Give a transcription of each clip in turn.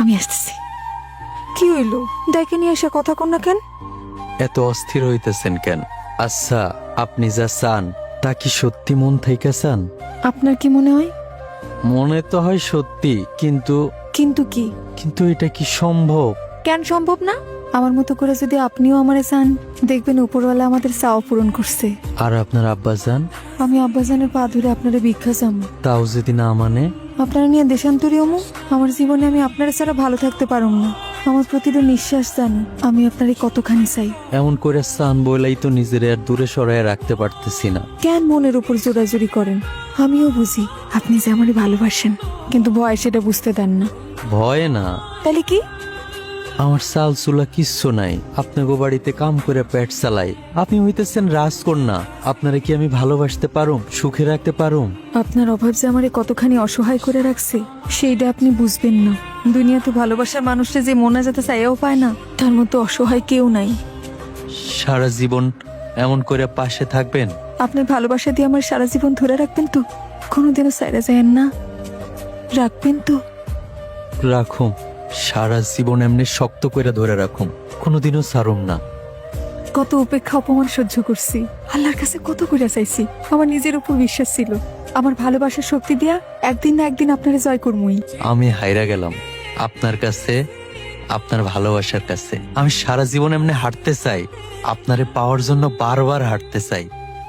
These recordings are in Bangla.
আমি আসতেছি। কি হইলো? ডাইকে নিয়ে এসে কথা কন না কেন? এত অস্থির হইতেছেন কেন? আচ্ছা, আপনি যা চান তা কি সত্যি মন থেকে চান? আপনার কি মনে হয়? মনে তো হয় সত্যি, কিন্তু কিন্তু কি? কিন্তু এটা কি সম্ভব? কেন সম্ভব না? আমার মতো করে যদি আপনিও আমারে চান, দেখবেন উপরওয়ালা আমাদের চাওয়া পূরণ করছে। আর আপনার আব্বাজান? আমি আব্বাজানের পা ধরে আপনারা ভিক্ষা চাম। তাও যদি না মানে? আপনারা নিয়ে দেশান্তরী হমু। আমার জীবনে আমি আপনারা ছাড়া ভালো থাকতে পারুম না। আমার প্রতিটা নিঃশ্বাস জান আমি আপনারে কতখানি চাই। এমন করে চান বলেই তো নিজের আর দূরে সরায় রাখতে পারতেছি না। কেন মনের উপর জোরাজুরি করেন? আমিও বুঝি আপনি যে আমারে ভালোবাসেন, কিন্তু ভয় সেটা বুঝতে দেন না। ভয় না, তাহলে কি? আমার চাল চুলা কিচ্ছু নাই। আপনাকে বাড়িতে কাম করে পেট চালাই। আপনি হইতেছেন রাজকন্যা। আপনারে কি আমি ভালোবাসতে পারুম, সুখে রাখতে পারুম? আপনার অভাব যে আমারে কতখানি অসহায় করে রাখছে সেইটা আপনি বুঝবেন না। দুনিয়াতে ভালোবাসার মানুষটা যে মনে যেতে চাইও পায় না, তার মতো অসহায় কেউ নাই। সারা জীবন এমন করে পাশে থাকবেন? আপনার ভালোবাসা দিয়ে আমার সারা জীবন ধরে রাখবেন তো? কোনোদিনও সাইরা যায়েন না? রাখবেন তো? রাখুম, সারা জীবন এমনি শক্ত করে ধরে রাখুম, কোনোদিনও ছাড়ুম না। কত উপেক্ষা অপমান সহ্য করছি, আল্লাহর কাছে কত করে চাইছি। আমার নিজের উপর বিশ্বাস ছিল, আমার ভালোবাসার শক্তি দিয়া একদিন না একদিন আপনারে জয় করমুই। আমি হাইরা গেলাম আপনার কাছে, আপনার ভালোবাসার কাছে। আমি সারা জীবন এমনি হাঁটতে চাই, আপনারে পাওয়ার জন্য বারবার হাঁটতে চাই।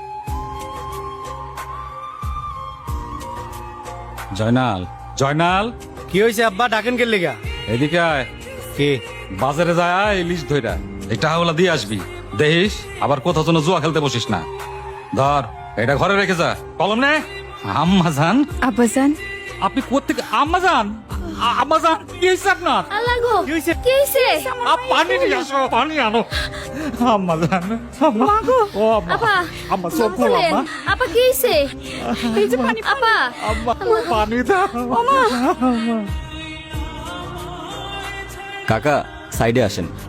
জয়নাল, জয়নাল, কি হয়েছে আব্বা? ডাকেন কে লেগা? এদিকে আয়। কে? বাজারে যায় ইলিশ ধইরা এই টাকাগুলা দিয়ে আসবি। দেখিস আবার কোথাও যেন জুয়া খেলতে বসিস না। ধর, এটা ঘরে রেখে যা। কলম নে। আম্মা জান, আব্বাজান, আপনি কোত্থেকে? আম্মা জান, আম্মা জান, কি হয়েছে আপনার? আল্লাহ গো, কি হয়েছে? কি হয়েছে? পানি নিয়ে আসো, পানি আনো। আম্মা জান, আম্মা গো, ও আম্মা, আপা, আম্মা চোখ খোল আম্মা। আপা কি হয়েছে? এই যে পানি, আপা, আম্মা পানি দাও। কাকা সাইডে আসেন।